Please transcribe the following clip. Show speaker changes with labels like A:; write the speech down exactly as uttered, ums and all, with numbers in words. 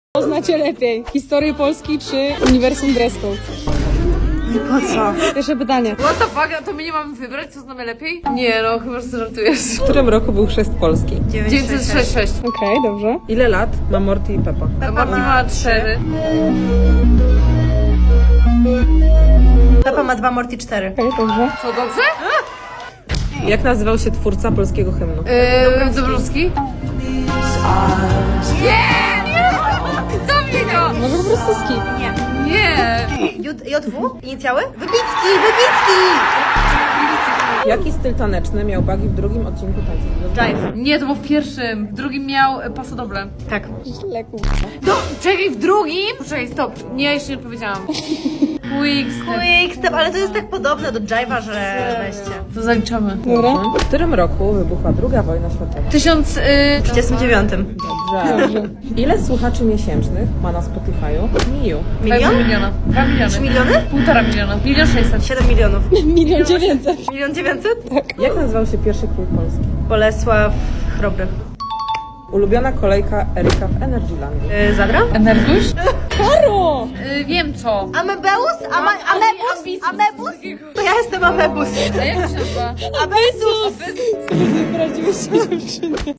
A: Poznacie lepiej? Historię Polski czy Uniwersum Dress Code?
B: Po co?
A: Pierwsze pytanie.
C: What the fuck, a to my nie mamy wybrać, co znamy lepiej? Nie no, chyba, że żartujesz.
D: W którym roku był chrzest Polski?
C: dziewięćset sześćdziesiąt sześć.
A: Okej, okay, dobrze.
D: Ile lat ma Morty i Peppa?
C: A Marty ma cztery.
B: Peppa ma dwa, Morty cztery.
A: Okej, okay, dobrze.
C: Co, dobrze?
D: Jak nazywał się twórca polskiego hymnu?
C: Yy, Dobrowski? Nie, nie! Zabij go!
A: Może po prostu skip.
B: Nie.
C: Nie!
B: J, JW? Inicjały? Wybicki! Wybicki!
D: Jaki styl taneczny miał Bagi w drugim odcinku tańca?
B: Jive.
C: Nie, to było w pierwszym. W drugim miał e, paso doble.
B: Tak.
A: Źle, kurwa.
C: No, czekaj, w drugim? Poczekaj, stop. Nie, ja jeszcze nie odpowiedziałam. Quickstep.
B: Quickstep, ale to jest tak podobne do Jive'a, że weźcie.
C: To zaliczamy.
A: Dobra.
D: W którym roku wybuchła druga wojna światowa?
C: Tysiąc... Yy...
B: W trzydziestym dziewiątym.
D: Dobrze. Ile słuchaczy miesięcznych ma na Spotify'u Miu?
B: Milion?
C: miliona. Dwa miliony.
B: Trzy miliony?
C: Półtora miliona. Milion sześćset.
B: Siedem milionów.
A: Milion dziewięćset.
B: Milion dziewięćset?
D: Jak nazywał się pierwszy król Polski?
B: Bolesław Chrobry.
D: Ulubiona kolejka Eryka w Energylandii.
B: Yy, Zadra?
C: Energiusz?
A: Karo!
C: Yy, wiem co.
B: Amebeus? Ama, amebus?
C: Ambicus.
B: Amebus? To ja jestem Amebus.
C: A jak to się nazywa?
B: Abesus!
A: Sobie poradziłyście dziewczyny.